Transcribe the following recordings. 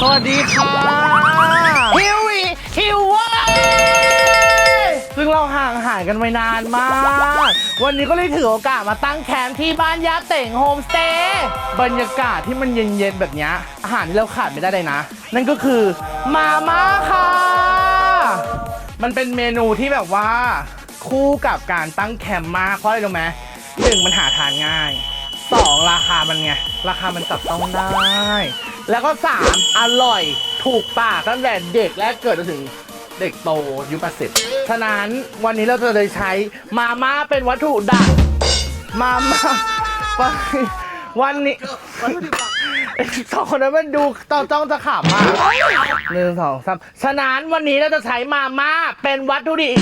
สวัสดีค่ะฮิวเว้ยซึ่งเราห่างหายกันไปนานมาก วันนี้ก็เลยถือโอกาสมาตั้งแคมป์ที่บ้านยาเต่งโฮมสเตย์บรรยากาศที่มันเย็นๆแบบนี้อาหารที่เราขาดไม่ได้เลยนะนั่นก็คือมาม่าค่ะมันเป็นเมนูที่แบบว่าคู่กับการตั้งแคมป์มากเพราะอะไรรู้ไหม1มันหาทานง่าย2ราคามันไงราคามันจับต้องได้แล้วก็3อร่อยถูกปากตั้งแต่เด็กและเกิดจนถึงเด็กโตยุค80ฉะนั้นวันนี้เราจะได้ใช้มาม่าเป็นวัตถุดิบมาม่าวันนี้สองคนนั้นมันดูจ้องจะขำมาก1 2 3ฉะนั้นวันนี้เราจะใช้มาม่าเป็นวัตถุดิบ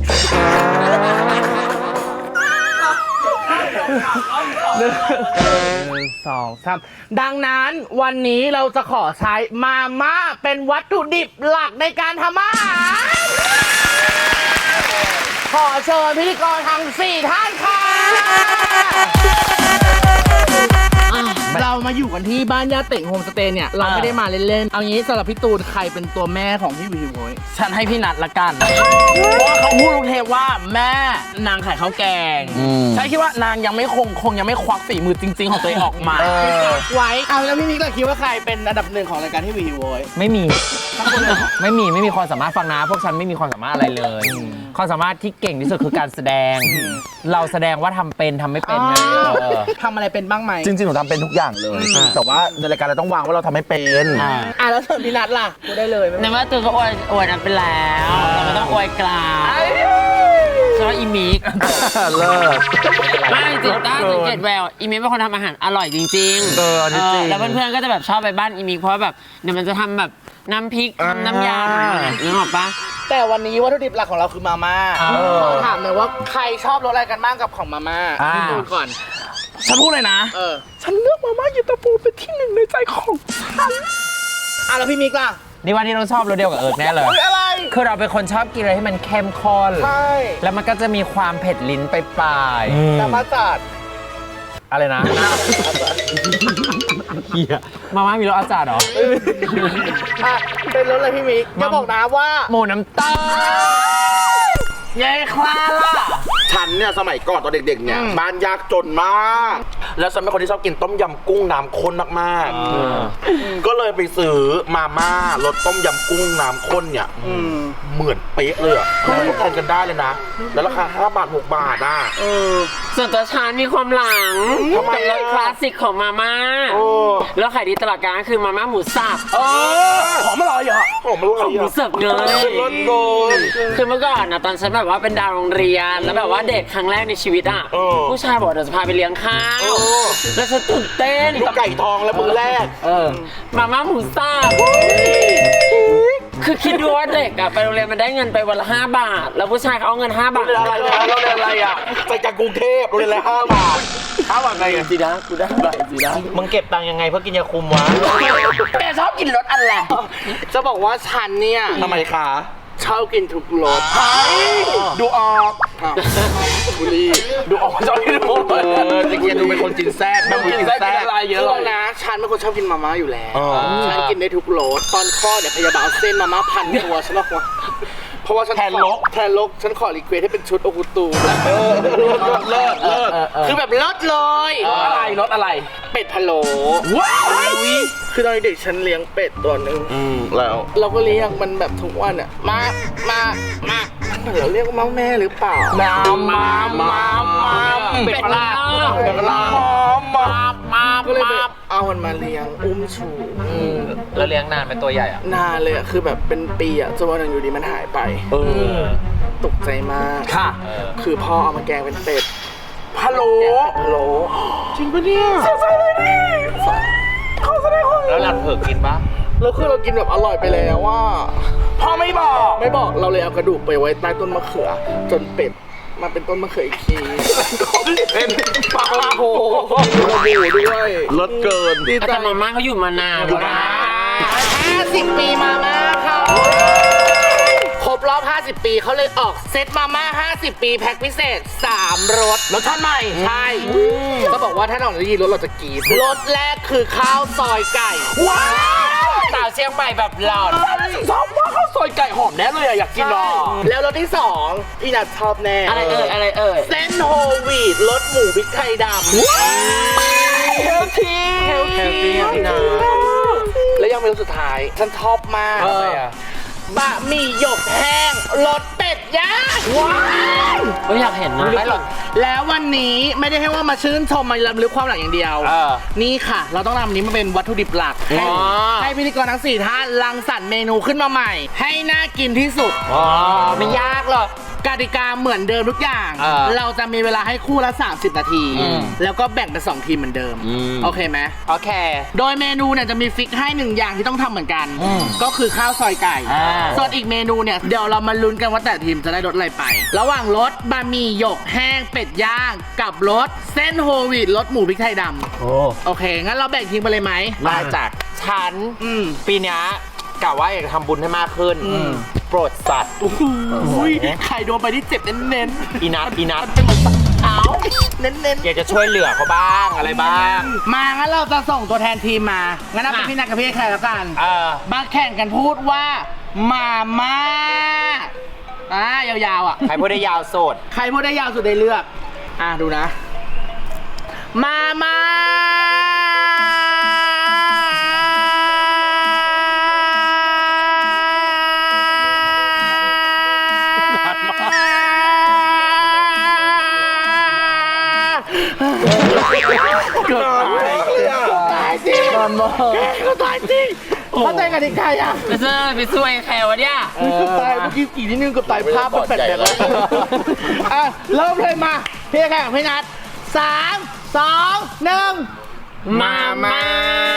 1 2 3ดังนั้นวันนี้เราจะขอใช้มาม่าเป็นวัตถุดิบหลักในการทำอาหารขอเชิญพิธีกรทั้ง4ท่านค่ะเรามาอยู่กันที่บ้านย่าเต่งโฮมสเตย์เนี่ยเราไม่ได้มาเล่นๆเอางี้สำหรับพี่ตูนใครเป็นตัวแม่ของพี่วิวโว้ยฉันให้พี่นัทละกันเพราะว่าเขาพูดเทปว่าแม่นางขายข้าวแกงใช่คิดว่านางยังไม่คงยังไม่ควักฝีมือจริงๆของตัวเองออกมาไว้เอาแล้วพี่มิกล่ะคิดว่าใครเป็นอันดับ1ของรายการที่วิวโว้ยไม่มีความสามารถฟังนะพวกฉันไม่มีความสามารถอะไรเลยความสามารถที่เก่งที่สุดคือการแสดงเราแสดงว่าทำเป็นทำไม่เป็นไงทำอะไรเป็นบ้างไหมจริงๆหนูทำเป็นทุกอย่างเลยแต่ว่าในรายการเราต้องวางว่าเราทำไม่เป็นแล้วส่วนพี่นัทล่ะกูได้เลยในเมื่อตื่นก็อวยนั้นไปแล้วเราไม่ต้องอวยกลางชอบอีมิกเลิศไม่จริงๆสังเกตแววอีมิกเป็นคนทำอาหารอร่อยจริงๆแล้วเพื่อนๆก็จะแบบชอบไปบ้านอีมิกเพราะแบบเดี๋ยวมันจะทำแบบน้ำพริกน้ำยำนึกออกปะแต่วันนี้วัตถุดิบหลักของเราคือมาม่าถามเลยว่าใครชอบรสอะไรกันบ้างกับของมาม่าพี่พูดก่อนฉันพูดเลยนะฉันเลือกมาม่าเย็นตาโฟเป็นที่1ในใจของฉันแล้วพี่มิกล่ะนี่วันนี้เราชอบรสเดียวกับเอิร์กแน่เลยอะไรคือเราเป็นคนชอบกินอะไรให้มันเข้มข้นใช่แล้วมันก็จะมีความเผ็ดลิ้นไปปลายแต่มาจัดอะไรนะมาม่ามีรสอาจารย์เหรอเป็นรสอะไรพี่มิกจะบอกนะว่าหมูน้ำตาลยายคลาล่ะฉันเนี่ยสมัยก่อนตอนเด็กๆเนี่ยบ้านยากจนมากแล้วฉันเป็นคนที่ชอบกินต้มยำกุ้งน้ำข้นมากๆก็เลยไปซื้อมาม่ารสต้มยำกุ้งน้ำข้นเนี่ยเหมือนเป๊ะเลยอะทานกันได้เลยนะแล้วราคา5 บาท 6 บาทอ่ะส่วนตัวฉันมีความหลังกับรสคลาสสิกของมาม่าแล้วขายดีตลอดกาลคือมาม่าหมูสับหอมอร่อยเหรอหอมอร่อยหมูสับเนยคือเมื่อก่อนนะตอนฉันแบบว่าเป็นดาวโรงเรียนแล้วแบบว่าเด็กครั้งแรกในชีวิตอ่ะผู้ชายบอกเดี๋ยวจะพาไปเลี้ยงข้าวแล้วฉันตื่นเต้นลูกไก่ทองแล้วมือแรกมาม่าหมูสับคือคิดดูว่าเด็กอะไปโรงเรียนมันได้เงินไปวันละ5 บาทแล้วผู้ชายเขาเอาเงิน5 บาทอะไรเราเรียนอะไรอะไปจากกรุงเทพเราเรียนอะไร5 บาทไงจีนะกูได้บาทจีนะมึงเก็บตังค์ยังไงเพื่อกินยาคุมวะแกชอบกินรสอะไรจะบอกว่าฉันเนี่ยทำไมคะชอบกินทุกรสดูออกบุรีดูออกชอบกินทุกรสจริงๆดูเป็นคนกินแซ่บไม่กินแซ่บอะไรเยอะเลยนะฉันเป็นคนชอบกินมาม่าอยู่แล้วฉันกินได้ทุกรสตอนคลอดเนี่ยพยาบาลเอาเส้นมาม่าพันตัวฉันบอกว่าเพราะว่าฉันแทนลกฉันขอรีเควสให้เป็นชุดโอกุตูเลิศคือแบบเลิศเลยรสอะไรเป็ดพะโล้ว้าวคือตอนเด็กฉันเลี้ยงเป็ดตัวนึงแล้วเราก็เลี้ยงมันแบบทุกวันอ่ะมาเราเรียกว่าแม่หรือเปล่าเป็ดพะโล้ก็เลยแบบเอามันมาเลี้ยงอุ้มชูแล้วเลี้ยงนานเป็นตัวใหญ่อ่ะนานเลยอ่ะคือแบบเป็นปีอ่ะจนวันนึงอยู่ดีมันหายไปตกใจมากค่ะคือพ่อเอามาแกงเป็นเป็ดพะโล้จริงปะเนี่ยเสียใจเลยดิเขาแสดงความแล้วหลังเผือกกินปะแล้วคือเรากินแบบอร่อยไปแล้วว่าพ่อไม่บอกเราเลยเอากระดูกไปไว้ใต้ต้นมะเขือจนเป็ดมาเป็นต้นมะเขืออีกทีเป็นปลาโผด้วยรสเกินแต่มาม่าเขาอยู่มานานแล้วนะ 50 ปีมาม่าเขาครบรอบ50 ปีเขาเลยออกเซตมาม่า50 ปีแพ็คพิเศษ3 รสชาติใหม่ใช่ก็บอกว่าถ้าเราได้ยินรสเราจะกรี๊ดรสแรกคือข้าวซอยไก่ว้าวสาวเชียงใหม่แบบหลอดชอบว่าข้าวซอยไก่หอมแน่เลยอะอยากกินอ่ะแล้วรสที่2พี่นัทชอบแน่อะไรเอ่ยเส้นโฮลวีตรสหมูพริกไทยดำเฮลทีเฮลตี้พี่นัทแล้วยังเมนูสุดท้ายฉันชอบมากบะหมี่หยกแห้งรสเป็ดย่างว้าวก็อยากเห็นนะไม่หรอกแล้ววันนี้ไม่ได้ให้ว่ามาชื่นชมมาลำลึกความหลังอย่างเดียว นี่ค่ะ เราต้องนำอันนี้มาเป็นวัตถุดิบหลัก ให้พิธีกรทั้ง4ท่านรังสรรค์เมนูขึ้นมาใหม่ ให้น่ากินที่สุดไม่ยากหรอกกติกาเหมือนเดิมทุกอย่าง เราจะมีเวลาให้คู่ละ30 นาที แล้วก็แบ่งเป็น2ทีมเหมือนเดิม โอเคไหมโอเคโดยเมนูเนี่ยจะมีฟิกให้1อย่างที่ต้องทำเหมือนกัน ก็คือข้าวซอยไก่ ส่วนอีกเมนูเนี่ยเดี๋ยวเรามาลุ้นกันว่าแต่ทีมจะได้รสอะไรไป ระหว่างรสบะหมี่หยกแห้งเป็ดย่างกับรสเส้นโฮลวีตรสหมูพริกไทยดำโอเค งั้นเราแบ่งทีมไปเลยไหมมาจากฉัน ปีเนี้ยกะว่าอยากจะทำบุญให้มากขึ้น โปรดสัตว์อุ้ยใครโดนไปที่เจ็บเน้นอีนัทๆเอาเน้นอยากจะช่วยเหลือเขาบ้างอะไรบ้างๆมางั้นเราจะส่งตัวแทนทีมมางั้นเอาเป็นพี่นัทกับพี่แคร์แล้วกันมาแข่งกันพูดว่ามาม่ายาวๆอ่ะใครพูดได้ยาวสุดใครพูดได้ยาวสุดได้เลือกดูนะ มาม่าเกิดตายจริงก็ตายจริงเขาตายกันที่ใครอ่ะไปสู้ไอ้แคร์วะเนี่ยตายเมื่อกี้กี่นิดนึงกับตายภาพมันแปลกๆแล้วเริ่มเลยมาพี่แข่งพี่นัท3 2 1 มาม่า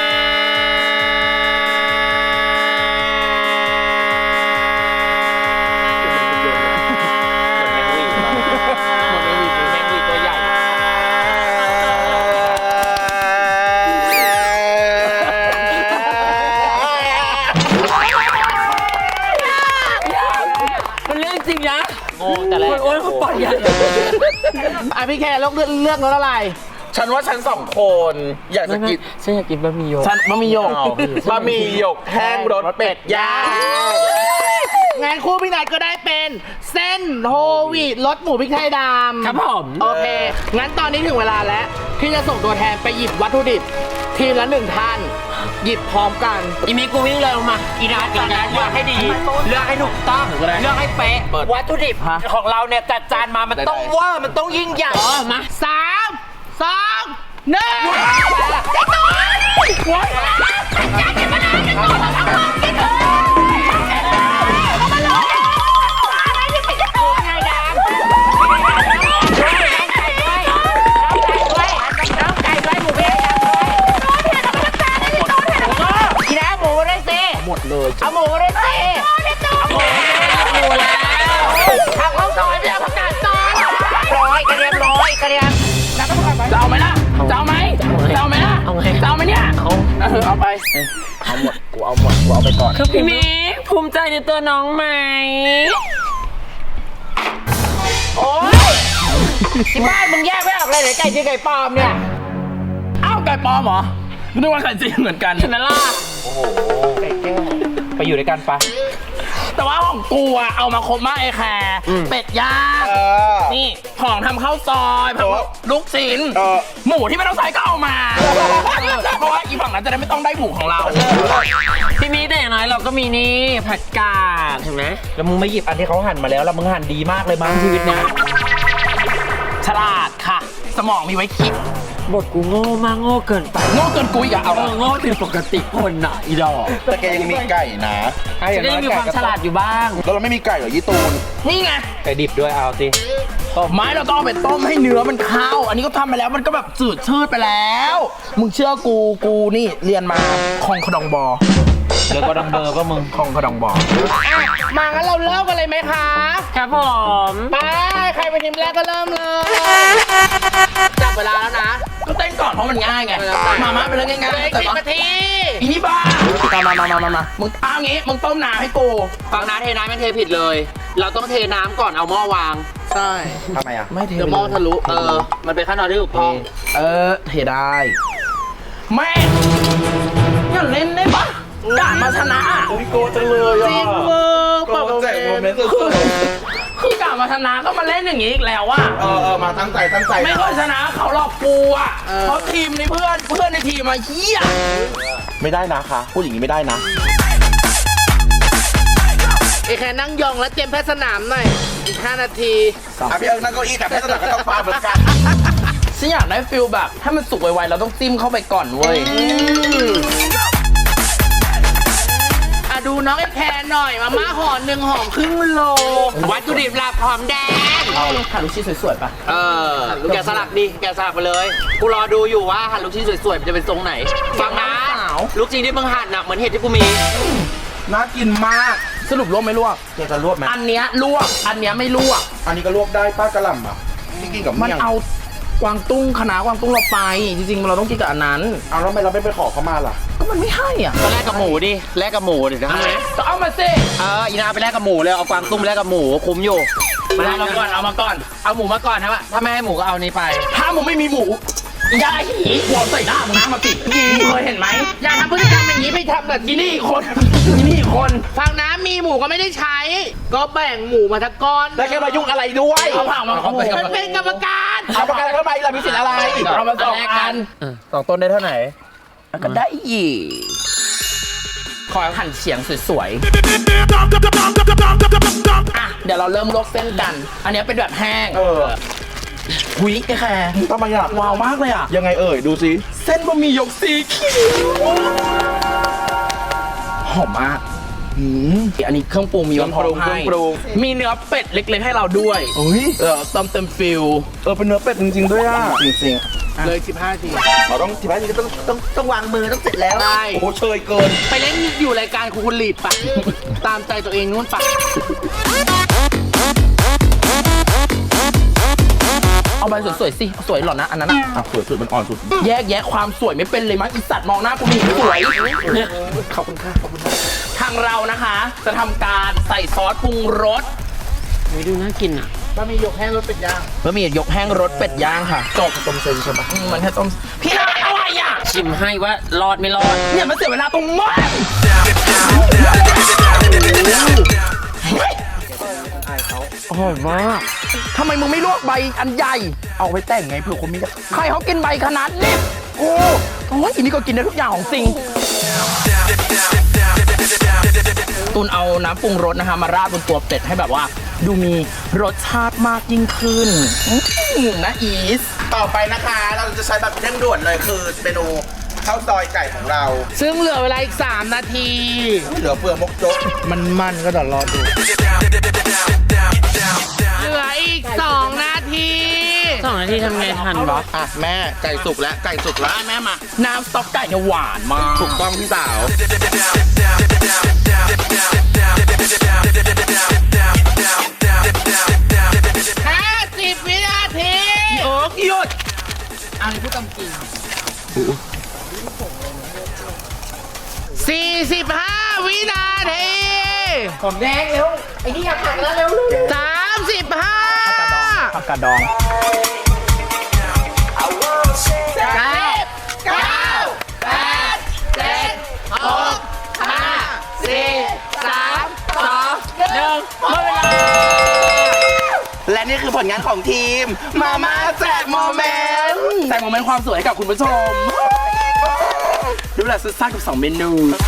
มันเรื่องจริงนะโง่แต่แรกโอ้ยเขาปล่อยใหญ่พี่แคร์เลือกรสอะไรฉันว่าฉัน2 คนอยากจะกินฉันอยากกินบะหมี่หยกฉันบะหมี่หยกบะหมี่หยกแห้งรสเป็ดย่างงานคู่พี่นัทก็ได้เป็นเส้นโฮลวีตรสหมูพริกไทยดำครับผมโอเค งั้นตอนนี้ถึงเวลาแล้วที่จะส่งตัวแทนไปหยิบวัตถุดิบทีละ1 ท่าน หยิบพร้อมกันอีมิกูวิ่งเลยลงมาอีนัทกับนัทเลือกให้ดีเลือกให้ถูกต้องเลือกให้เป๊ะวัตถุดิบของเราเนี่ยจัดจานมามันต้องเวอร์มันต้องยิ่งใหญ่มา 3 2 หมดเลยเอาหมูเลยสิเอาหมูแล้วทางข้าวซอยไม่เอาผักกาดซอยกระเทียมแล้วก็ผักกาดจะเอาไหมล่ะจะเอาไหมล่ะจะเอาไหมเนี่ยเอาไปเอาหมดกูเอาไปก่อนพี่มิกภูมิใจในตัวน้องไหมโอ๊ยที่บ้านมึงแยกไม่ออกเลยไหนไก่จริงไก่ปลอมเนี่ยอ้าวไก่ปลอมเหรอนึกว่าไก่จริงเหมือนกันใช่ไหมล่ะโอ้โหไก่แก้วไปอยู่ด้วยกันปะแต่ว่าของกูอะเอามาครบมากไอ้แคร์เป็ดย่างนี่ของทำข้าวซอยผักลูกชิ้นหมูที่ไม่ต้องใส่ก็เอามาเพราะว่าอีฝั่งนั้นจะได้ไม่ต้องได้หมูของเราพี่มิกแต่อย่างน้อยเราก็มีนี่ผัดกาดเห็นไหมแล้วมึงไม่หยิบอันที่เขาหั่นมาแล้วมึงหั่นดีมากเลยมั้งชีวิตเนี้ยฉลาดค่ะ สมองมีไว้คิดบทกูโง่มากโง่เกินไปโง่เกินกูอีกอะเอาโง่ผิดปกติคนน่ะอีดอกแต่แกยังมีไก่นะจะได้มีความฉลาดอยู่บ้างแล้วเราไม่มีไก่เหรอยี่ตูนนี่ไงไก่ดิบด้วยเอาสิไม้เราต้องเอาไปต้มให้เนื้อมันเข้าอันนี้ก็ทำไปแล้วมันก็แบบจืดชืดไปแล้วมึงเชื่อกูนี่เรียนมาคองขดองบอแล้วก็ดังเบอร์ก็มึงคองขดองบอกมางั้นเราเริ่มกันเลยไหมคะครับผมไปใครเป็นทีมแรกก็เริ่มเลยจับเวลาแล้วนะก็เต้นก่อนเพราะมันง่ายไงมาเป็นเรื่องง่ายๆ10 นาทีอีนี่บ้ามามึงเอางี้มึงต้มน้ำให้กูฟังนะเทน้ำมันเทผิดเลย เราต้องเทน้ำก่อนเอาหม้อวางใช่ทำไมอ่ะไม่เทเดี๋ยวหม้อทะลุมันเป็นขั้นตอนที่ถูกต้องเทได้แม่อย่าเล่นได้ปะกันมาชนะพี่โกจังเลยจริงมือโกแจกโมเมนต์สุดคือกลับมาชนะก็มาเล่นอย่างนี้อีกแล้วว่ะมาตั้งใจไม่เคยชนะเขาหรอกกูอ่ะเพราะทีมนี้เพื่อนในทีมมาเฮียไม่ได้นะคะพูดอย่างนี้ไม่ได้นะไอ้แค่นั่งยองแล้วเตรียมแพทย์สนามหน่อยอีก5 นาทีพี่เอิงนั่งเก้าอี้แต่แพทย์สนามก็ต้องฟาดเหมือนกันฉันอยากได้ฟิลแบบถ้ามันสุกไวๆเราต้องจิ้มเข้าไปก่อนเว้ยดูน้องไอ้แพนหน่อยมาม่าห่อ1ห่อครึ่งโลวัตถุดิบหลักหอมแดงหั่นลูกชิ้นสวยๆป่ะแกะสลักดิแกะสลักไปเลยกูรอดูอยู่ว่าหั่นลูกชิ้นสวยๆมันจะเป็นทรงไหนฟังนะลูกชิ้นที่มึงหั่นหนักเหมือนเห็ดที่กูมีน่ากินมากสรุปลวกไม่ลวกจะลวกไหมอันเนี้ยลวกอันเนี้ยไม่ลวกอันนี้ก็ลวกได้ป้ากระหล่ำอ่ะที่กินกับมันเมี่ยงเอากวางตุ้งคณะกวางตุ้งเราไปจริงๆเราต้องกินกับอันนั้นเอาแล้วทำไมเราไม่ไปขอเขามาล่ะก็มันไม่ให้อ่ะก็แลกกับหมูดิแลกกับหมูดินะก็เอามาสิอีนาไปแลกกับหมูเลยเอากวางตุ้มไปแลกกับหมูคุ้มอยู่เอามาก่อนเอาหมูมาก่อนนะวะถ้าไม่ให้หมูก็เอานี้ไปถ้ามึงไม่มีหมูยาหีหัวใส่หน้ามึงนะมาติเคยเห็นไหมอย่าทำพฤติกรรมอย่างนี้ไปทำแบบที่นี่คนฟังนะมีหมูก็ไม่ได้ใช้ ก็แบ่งหมูมาทั้งก้อนแล้วแกมายุ่งอะไรด้วยเอาผักมาฉันเป็นกรรมการเอาประกันเข้าไปล่ะมีสิทธิ์อะไรเอามา2 อัน 2 ต้นได้เท่าไหร่ก็ได้อีกขอหั่นเฉียงสวยๆอ่ะเดี๋ยวเราเริ่มลวกเส้นกัน อันนี้เป็นแบบแห้งหุยแค่ทำไมอ่ะว้าวมากเลยอ่ะยังไงเอ่ยดูสิเส้นบะหมี่หยกสีเขียวหอมมากอันนี้เครื่องปรุงมีพร้อมให้มีเนื้อเป็ดเล็กๆให้เราด้วยเฮ้ยเต็มฟิลเป็นเนื้อเป็ดจริงๆด้วยอ่ะจริงๆเลย15 ทีเราต้องทีนี้ต้องวางมือต้องเสร็จแล้วใช่โอ้โหเชยเกินไปเล่นอยู่รายการคุณลีดปะ ตามใจตัวเองนู่นปะเอาใบสวยๆสิสวยหรอนะอันนั้นอ่ะสวยสุดมันอ่อนสุดแยกแยะความสวยไม่เป็นเลยมั้งอีสัตว์มองหน้ากูมีสวยขอบคุณค่ะทางเรานะคะ จะทำการใส่ซอสปรุงรสไม่ดูน่ากินอ่ะบะหมี่หยกแห้งรสเป็ดย่างค่ะจบต้มเส้นใช่ปะมันแค่ต้มพี่อะไรอ่ะชิมให้ว่ารอดไม่รอดเนี่ยมันเสียเวลาตรงมากอร่อยมากทำไมมึงไม่ลวกใบอันใหญ่เอาไปแต่งไงเผื่อคนมีใครเขากินใบขนาดนี้โอ้ยอันนี้ก็กินได้ทุกอย่างของจริงตุนเอาน้ำปรุงรสนะคะมาราดบนตัวเป็ดให้แบบว่า ดูมีรสชาติมากยิ่งขึ้นนะอีสต่อไปนะคะเราจะใช้แบบเร่งด่วนเลยคือเมนูข้าวซอยไก่ของเราซึ่งเหลือเวลาอีก3 นาทีเหลือเฟือมกจกมันก็เดี๋ยวรอดู เหลืออีก2 นาที 2 นาทีทำไงทันบอสอ่ะแม่ไก่สุกแล้วไก่สุกแล้วแม่มาน้ำสต๊อกไก่เนี่ยหวานมากถูกต้องพี่สาว 50 วินาทีโอ๊กหยุดอันนี้พูดตามจริง45 วินาทีผมแดงเร็วไอ้นี่อยากหักแล้วเร็ว 35 ผักกาดดอง และนี่คือผลงานของทีม มาม่าแจกโมเมนต์แจกโมเมนต์ความสวยให้กับคุณผู้ชมดูแลสุดซ่ากับ2 เมนู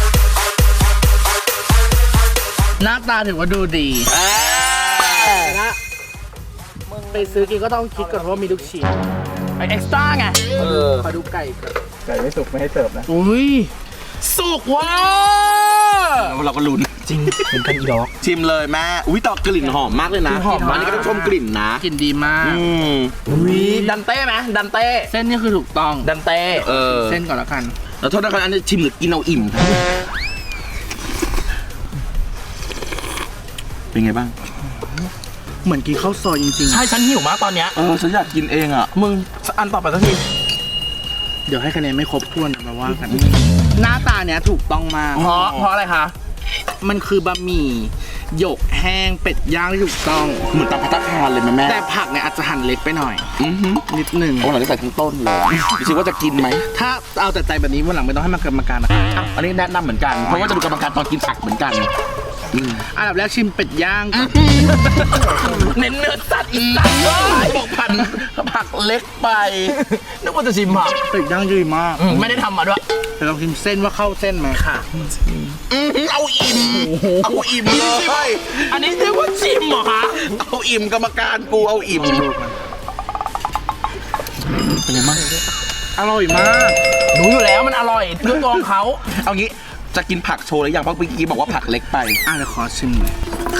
หน้าตาถือว่าดูดีนะมึงไปซื้อกินก็ต้องคิดก่อนว่ามีลูกชิ้นไอเอ็กซ์ตร้าไงขอดูไก่ก่อนไก่ไม่สุกไม่ให้เสิร์ฟนะอุ้ยสุกว้าเราก็ลุ้นจริงเป็นกันอีดอกชิมเลยแม่อุ้ยต่อกลิ่นหอมมากเลยนะหอมมากอันนี้ก็ต้องชมกลิ่นนะกลิ่นดีมากอุ้ยดันเต้ไหมดันเต้เส้นนี่คือถูกต้องดันเต้เส้นก่อนแล้วกันแล้วโทษนะครับอันนี้ชิมหรือกินเอาอิ่มเป็นไงบ้างเหมือนกินข้าวซอยจริงๆใช่ฉันหิวมากตอนเนี้ยฉันอยากกินเองอ่ะมึงอันต่อไปสักทีเดี๋ยวให้คะแนนไม่ครบถ้วนมาว่ากันหน้าตาเนี้ยถูกต้องมากเพราะอะไรคะมันคือบะหมี่หยกแห้งเป็ดย่างที่ถูกต้องเหมือนตามภัตตาคารเลยไหมแม่แต่ผักเนี่ยอาจจะหั่นเล็กไปหน่อย นิดหนึ่งเอาหลังจะใส่ทั้งต้นเลยดูสิว่าจะกินไหมถ้าเอาแต่ใจแบบนี้วันหลังไม่ต้องให้มากรรมการนะครับอันนี้แนะนำเหมือนกัน เพราะว่าจะดูกรรมการตอนกินผักเหมือนกันอันดับแรกชิมเป็ดย่างก่อนเน้นเนื้อสัตว์อีสัตว์บอกผักเล็กไปนึกว่าจะชิมผักเป็ดย่างดีมากไม่ได้ทำมาด้วยแต่ลองชิมเส้นว่าเข้าเส้นไหมค่ะเอาอิ่มเอาอิ่มเลยอันนี้เรียกว่าชิมเหรอคะเอาอิ่มกรรมการกูเอาอิ่มเป็นยังไงบ้างอร่อยมากรู้อยู่แล้วมันอร่อยด้วยตัวของเขาเอางี้จะกินผักโชว์หรือยังเพราะเมื่อกี้บอกว่าผักเล็กไปเดี๋ยวขอชิมหน่อย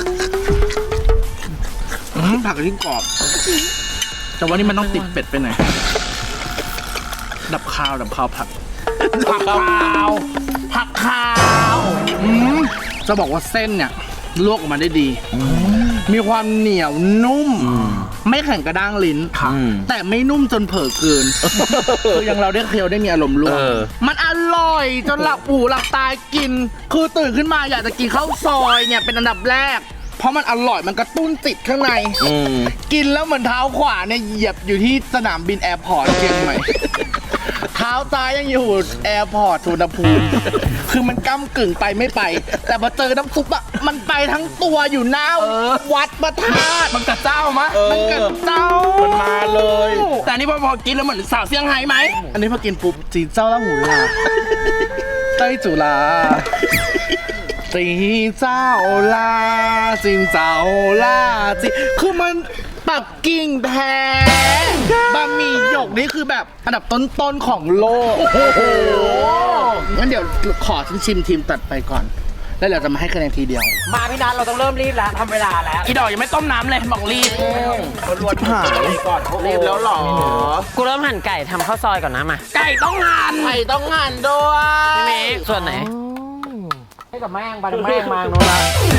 ผักที่กรอบ แต่ว่านี่มันต้องติดเป็ดไปหน่อย ดับคาวผักผักขาวผักขาวจะบอกว่าเส้นเนี่ยลวกออกมาได้ดี มีความเหนียวนุ่ม ไม่แข็งกระด้างลิ้น แต่ไม่นุ่มจนเผลอเกิน คืออย่างเราได้เคี้ยวได้มีอารมณ์ร่วมมันอร่อยจนหลับหูหลับตากิน คือตื่นขึ้นมาอยากจะกินข้าวซอยเนี่ยเป็นอันดับแรก เพราะมันอร่อยมันกระตุ้นจิตข้างใน กินแล้วเหมือนเท้าขวาเนี่ยเหยียบอยู่ที่สนามบินแอร์พอร์ตเชียงใหม่ เท้าซ้ายยังอยู่แอร์พอร์ตสุวรรณภูมิ คือมันก้ำกึ่งไปไม่ไป แต่พอเจอน้ำซุปอะมันไปทั้งตัวอยู่หน้าวัดประธาตุมันกระเจ้ามั้ยมันกระเจ้ามันมาเลย แต่อันนี่พอกินแล้วเหมือนสาวเซี่ยงไฮ้ไหมอันนี้พอกินปุ๊บจีนเจ้าละหูลาไต้จุฬาจีเจ้าลาจีนเจ้าลาจีคือมันปักกิ่งแท้บะหมี่หยกนี่คือแบบอันดับต้นๆของโลก โอ้โหงั้นเดี๋ยวขอชิมทีมตัดไปก่อน แล้วเดี๋ยวจะมาให้คะแนนทีเดียวมาพี่นัทเราต้องเริ่มรีบแล้วทำเวลาแล้วอีดอกยังไม่ต้มน้ำเลยบอกรีบรวนหายรีบแล้วหรอกูเริ่มหั่นไก่ทำข้าวซอยก่อนนะมาไก่ต้องหั่นไก่ต้องหั่นด้วยพี่เมฆส่วนไหนให้กับแม่งไปแม่งมาโน้นละ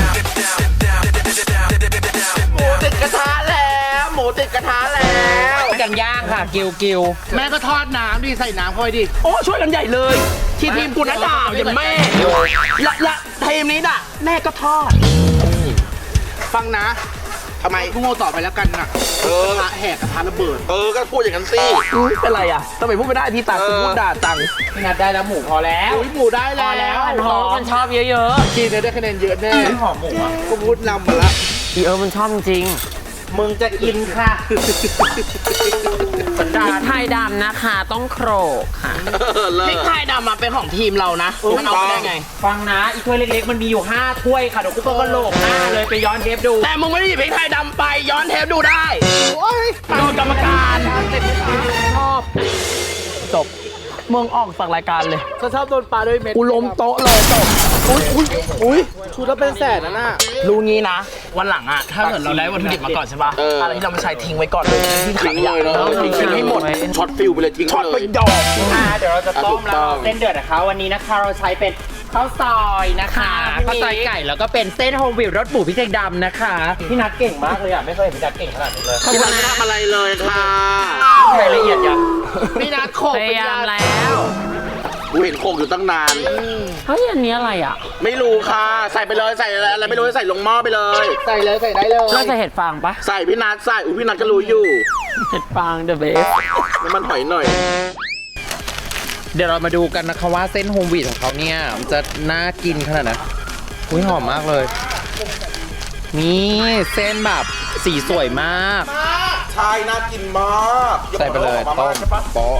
หมูติดกระทะแล้วหมูติดกระทะแล้วกันย่างค่ะกิวแม่ก็ทอดน้ำดิใส่น้ำเข้าไปดิโอ้ช่วยกันใหญ่เลยที่ทีมกูนะด่าอย่างแม่ละทีมนี้ด่าแม่ก็ทอดฟังนะทำไมพุ่งโง่ต่อไปแล้วกันนะพระแหกกระทะระเบิดก็พูดอย่างนั้นสิเป็นไรอ่ะทำไมพูดไม่ได้ที่ตาคุณพูดด่าจังพี่นัทได้แล้วหมูพอแล้วอุ้ยหมูได้แล้วอันท้องมันชอบเยอะกินได้คะแนนเยอะแน่หอมหมูอ่ะก็พูดนำมาละมันชอบจริงมึงจะกินค่ะสันดานพริกไทยดำนะคะต้องโขลกค่ะพริกไทยดำมาเป็นของทีมเรานะมันเอาได้ไงฟังนะอีกถ้วยเล็กๆมันมีอยู่5ถ้วยค่ะเดี๋ยวกูต้องกระโหลกหน้าเลยไปย้อนเทปดูแต่มึงไม่ได้หยิบพริกไทยดำไปย้อนเทปดูได้โดนกรรมการชอบจบมึงออกจากรายการเลยฉันชอบโดนปลาด้วยเม็ดกูล้มโต๊ะเลยจบอุ้ยชุดละเป็นแสนนะน่ะรู้งี้นะ วันหลังอ่ะถ้าเกิดเราได้วัตถุดิบมาก่อนใช่ป่ะอะไรที่เราไม่ใช้ทิ้งไว้ก่อนเลยที่ถังขยะทิ้งให้หมดช็อตฟิลไปเลยทิ้งช็อตไปดอกเดี๋ยวเราจะต้มแล้วเส้นเดือดนะคะวันนี้นะคะเราใช้เป็นข้าวซอยนะคะข้าวซอยไก่แล้วก็เป็นเส้นโฮมวิวรสหมูพริกไทยดำนะคะพี่นัทเก่งมากเลยอ่ะไม่เคยเห็นพี่นัทเก่งขนาดนี้เลยพี่นัทไม่ทำอะไรเลยค่ะรายละเอียดยังพี่นัทโขกพเป็นยายามยาแล้วกูเห็นโคกอยู่ตั้งนานเฮ้ยอันนี้อะไรอ่ะไม่รู้ค่ะใส่ไปเลยใส่อะไรไม่รู้ใส่ลงหม้อไปเลยใส่เลยใส่ได้เลยเราจะเห็ดฟางปะใส่พี่นัทใส่พี่นัทก็รู้อยู่เห็ดฟางเดอะเบสน้ำมันหอยหน่อยเดี๋ยวเรามาดูกันนะคะว่าเส้นโฮมวีดของเขาเนี่ยมันจะน่ากินขนาดไหนอุ้ยหอมมากเลย นี่เส้นแบบสีสวยมากใช่น่ากินมากใส่ไปเลยต้มโป๊ะ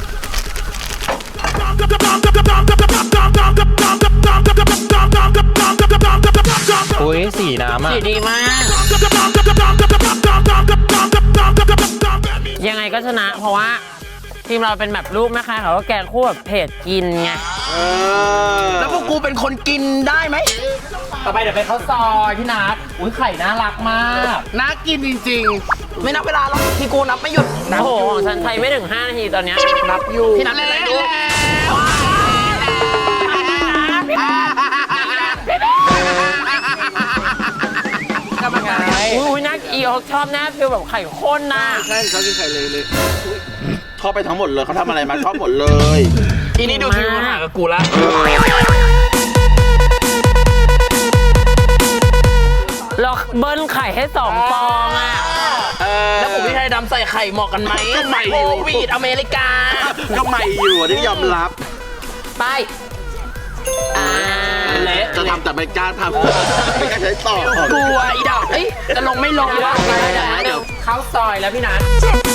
อุ้ยสีน้ำอ่ะสีดีมาก ยังไงก็ชนะเพราะว่าทีมเราเป็นแบบรูปนะคะเขาก็แกงคู่แบบเผ็ดกินไงแล้วพวกกูเป็นคนกินได้ไหมต่อไปเดี๋ยวเป็นข้าวซอยพี่นัทอุ้ยไข่น่ารักมากน่ากินจริงไม่นับเวลาหรอกที่กูนับไม่หยุดโอ้โหของฉันใช้ไม่ถึง5 นาทีตอนเนี้ยๆ นับอยู่พี่นับเป็นไรดูอุ้ยน่าอีเขาชอบหน้าฟิลแบบไข่ข้นน่ะใช่เขากินไข่เลยชอบไปทั้งหมดเลยเขาทำอะไรมาชอบหมดเลยทีนี้ดูทีมหากับกูละเบิ้ลไข่ให้2 ฟองอ่ะ แล้วผมพี่ไทยดำใส่ไข่เหมาะกันไหมก็ไม่โควิดอเมริกาก็ไม่อยู่ที่ยอมรับไปเละจะทำแต่ไม่กล้าทำไม่กล้าใช้ต่อกลัวอีดอกเอ้ยจะลงไม่ลงวะเดี๋ยวเข้าซอยแล้วพี่นัท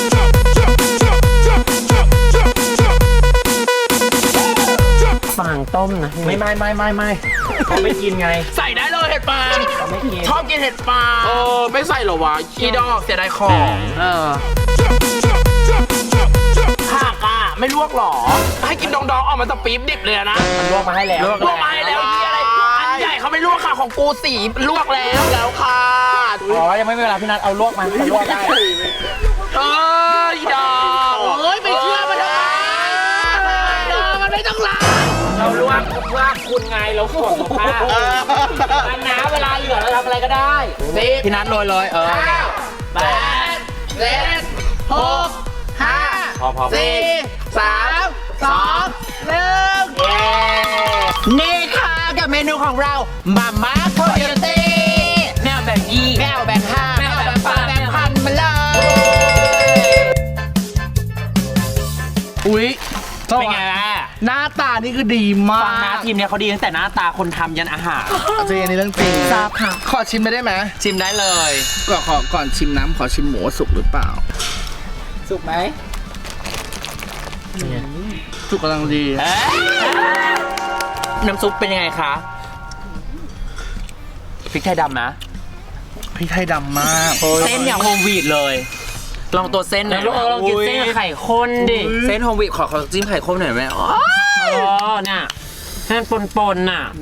ฟางต้มนะไม่เขาไม่กินไงใส่ได้เลยเห็ดฟางชอบกินเห็ดฟางไม่ใส่หรอวะอีดอกเสียดายของผักอ่ะไม่ลวกหรอ ให้กินดองๆออกมาจากปี๊บดิบเลยนะลวกมาให้แล้วลวกมาให้แล้วที่อะไรอันใหญ่เขาไม่ลวกค่ะของกูสีลวกแล้วค่ะอ๋อ ยังไม่มีเวลาพี่นัทเอาลวกมาลวกได้อีดอกไม่เชื่อมันทำไมมันไม่ต้องล้างเราลวกเพื่อคุณไงเราขวดสุภาพอันน้ำเวลาเหลือเราทำอะไรก็ได้พี่นัทโรยเลย8 7 6 5 พอ 4 3 2 1นี่ค่ะกับเมนูของเรามาม่าโคโยตี้แมวแบบยี่แมวแบบ5แมวแบบปลาแบบพันมาเลยอุ๊ยเป็นไงล่ะหน้าตานี่คือดีมาฟังนะกทีมเนี้ยเขาดีตั้งแต่หน้าตาคนทำยันอาหารจริงอันนี้เรื่องจริงทราบค่ะ ขอชิมไปได้ไหมชิมได้เลยก่อนชิมน้ำขอชิมหมูว่าสุกหรือเปล่าสุกไหมสุกกำลังดีน้ำซุปเป็นยังไงคะพริกไทยดำนะพริกไทยดำมากเส้นอย่างโฮมวีดเลย ลองตัวเส้นหน่อยลองกินเส้นกับไข่ข้นดิเส้นโฮมวีขอจิ้มไข่ข้นหน่อยไหมอ๋อเนี่ยเส้นปนๆน่ะ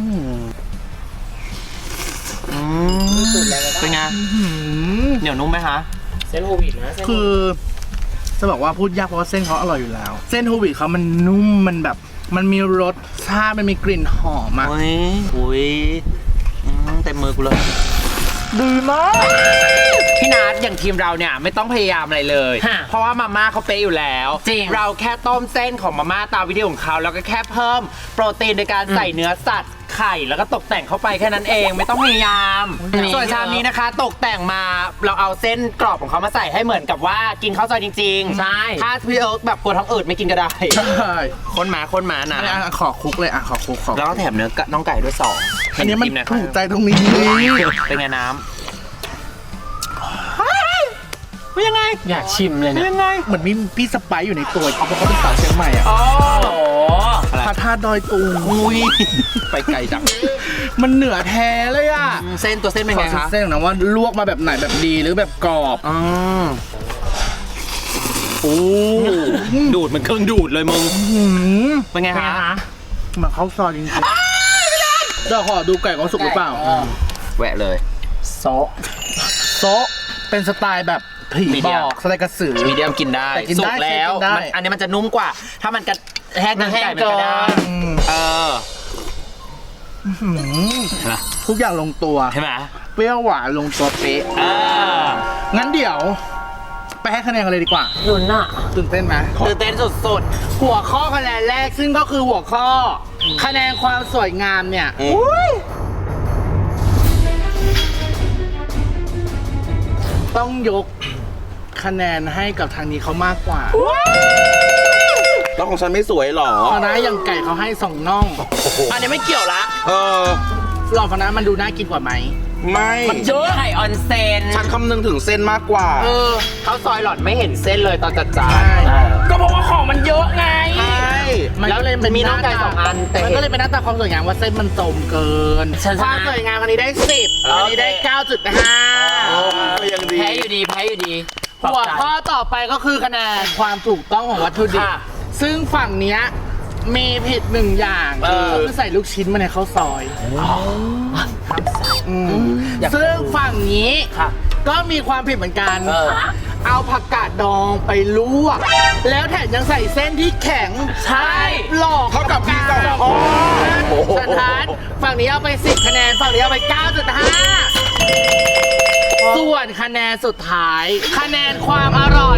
เป็นไงเหนียวนุ่มไหมคะเส้นโฮมวีนะคือจะบอกว่าพูดยากเพราะว่าเส้นเขาอร่อยอยู่แล้ว เส้นโฮลวีตเขามันนุ่มมันแบบ มันมีรสชาติมันมีกลิ่นหอมอะอุ้ยเต็มมือกูเลยดีมากพี่นัทอย่างทีมเราเนี่ยไม่ต้องพยายามอะไรเลย เพราะว่ามาม่าเขาเป๊ะอยู่แล้วจริงเราแค่ต้มเส้นของมาม่าตามวิธีของเขาแล้วก็แค่เพิ่มโปรตีนในการใส่เนื้อสัตว์ไข่แล้วก็ตกแต่งเข้าไปแค่นั้นเองไม่ต้องพยายามส่วนชามนี้นะคะ ตกแต่งมาเราเอาเส้นกรอบของเขามาใส่ให้เหมือนกับว่ากินข้าวซอยจริงๆใช่ถ้าพี่เอิร์กแบบกลัวท้องอืดไม่กินก็ได้ใช่คนมานะอันนี้ขอคุกเลยขอคุกแล้วก็แถมเนื้อน้องไก่ด้วย2 อันนี้มันถูกใจตรงนี้เป็นไงน้ำเป็นยังไงอยากชิมเลยเนี่ยเหมือนมีพี่สไปซ์อยู่ในตัวเพราะเขาเป็นสาวเชียงใหม่อะอ๋อพระธาตุดอยตุงอุ้ยไปไกลจังมันเหนือแท้เลยอะเส้นตัวเส้นเป็นขอไงคะเส้นนะว่าลวกมาแบบไหนแบบดีหรือแบบกรอบโอ้ดูดมันเครื่องดูดเลยมึงเป็นไงคะเหมือนข้าวซอยจริงๆจะขอดูไก่เขาสุกหรือเปล่าแหวะเลยโซะเป็นสไตล์แบบผีมีเดีบยอกสไตล์กระสือมีเดียมกินได้แต่กินได้สุกแล้วกินได้อันนี้มันจะนุ่มกว่า ถ้ามันกระแห้งไก่มันก็ได้ทุกอย่างลงตัวใช่ไหมเปรี้ยวหวานลงตัวเป๊ะงั้นเดี๋ยว ไปให้คะแนนกันเลยดีกว่าลุ้นอ่ะตื่นเต้นไหมตื่นเต้นสุดหัวข้อคะแนนแรกซึ่งก็คือหัวข้อ คะแนนความสวยงามเนี่ยต้องยกคะแนนให้กับทางนี้เขามากกว่าแล้วของฉันไม่สวยหรอเพราะนะอย่างไก่เขาให้2น่องๆอันนี้ไม่เกี่ยวละหลอดพนะมันดูน่ากินกว่าไหมไม่เยอะไข่ออนเซนฉันคำนึงถึงเส้นมากกว่าข้าวซอยหลอดไม่เห็นเส้นเลยตอนจัดจาใช่นก็เพราะว่าของมันเยอะไงมันก็เลยเป็นมีน้องไก่2 อันแต่มันก็เลยเป็นหน้าตาความสวยงามว่าเส้นมันโสมเกินฉันชนะความสวยงามอันนี้ได้10อันนี้ได้ก็ยังดีแพ้อยู่ดี 9.5หัวข้อต่อไปก็คือคะแนนความถูกต้องของวัตถุดิบค่ะซึ่งฝั่งเนี้ยมีผิด1อย่างคือใส่ลูกชิ้นมาในข้าวซอยซึ่งฝั่งนี้ก็มีความผิดเหมือนกัน เอาผักกาดดองไปลวก แล้วแถมยังใส่เส้นที่แข็งใช่หลอกเท่ากับพี่สองโอ้สถานฝั่งนี้เอาไป10คะแนนฝั่งนี้เอาไป 9.5 ส่วนคะแนนสุดท้าย คะแนนความอร่อย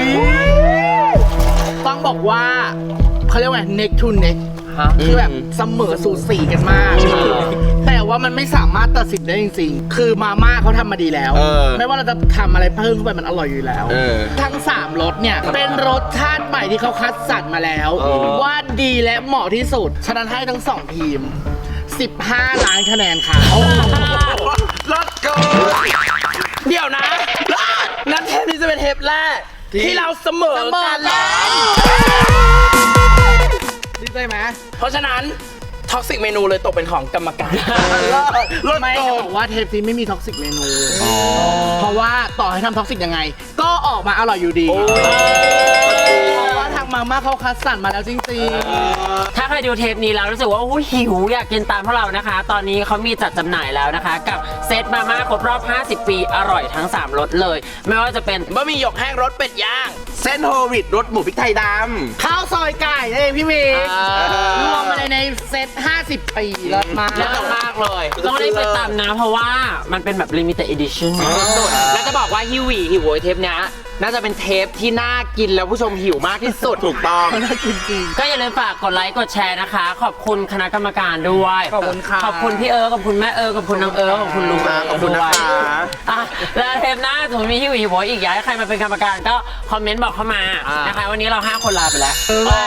ต้องบอกว่าเขาเรียกว่า neck to neck คือแบบเสมอสูสีกันมาก แต่ว่ามันไม่สามารถตัดสินได้จริงๆ คือมาม่าเขาทำมาดีแล้ว ไม่ว่าเราจะทำอะไรเพิ่มเข้าไปมันอร่อยอยู่แล้ว ทั้ง 3รสเนี่ย เป็นรสชาติใหม่ที่เขาคัดสรรมาแล้ว ว่าดีและเหมาะที่สุด ฉะนั้นให้ทั้ง 2 ทีม 15 ล้านคะแนนค่ะรถเกินเดี๋ยวนะงั้นเทปนี้จะเป็นเทปแรก ที่เราเสมอกันแล้วดีใจไหมเพราะฉะนั้นท็อกซิกเมนูเลยตกเป็นของกรรมการไม่จะบอกว่าเทปนี้ไม่มีท็อกซิกเมนูเพราะว่าต่อให้ทำท็อกซิกยังไง ก็ออกมาอร่อยอยู่ดีเพราะว่าทางมาม่าเขาคัดสรรมาแล้วจริงๆถ้าใครดูเทปนี้แล้วรู้สึกว่าอุ๊ยหิวอยากกินตามพวกเรานะคะ ตอนนี้เขามีจัดจำหน่ายแล้วนะคะ กับเซตมาม่าครบรอบ 50 ปีอร่อยทั้ง 3รสเลย ไม่ว่าจะเป็นบะหมี่หยกแห้งรสเป็ดย่าง เส้นโฮลวิตรสหมูพริกไทยดำข้าวซอยไก่นั่นเองพี่เมย์รวมมาเลยในเซต 50 ปีรสมาเลิศมากเลย ต้องได้ไปตามนะ เพราะว่ามันเป็นแบบ limited edition สุดแล้วจะบอกว่าหิวหวีหิวโวยเทปเนี้ยน่าจะเป็นเทปที่น่ากินแล้วผู้ชมหิวมากที่สุดถูกต้องน่ากินจริงก็อย่าลืมฝากกดไลค์กดแชร์นะคะ ขอบคุณคณะกรรมการด้วยขอบคุณค่ะขอบคุณพี่ขอบคุณแม่ขอบคุณน้องขอบคุณลุงขอบคุณนะคะอ่ะแล้วเทปหน้าถึงมีหิวหวีหัวอีกอยากให้ใครมาเป็นกรรมการก็คอมเมนต์บอกเข้ามานะคะวันนี้เรา 5 คนลาไปแล้ว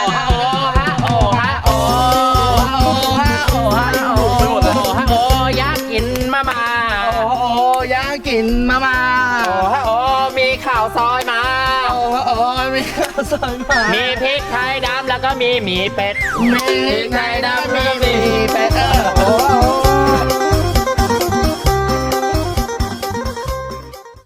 อยากกินมาม่าอยากกินมาม่ามีข่าวซอยมามีข้าวซอยมามีพริกไทยดำแล้วก็มีหมีเป็ดมีไก่ดำมีเป็ด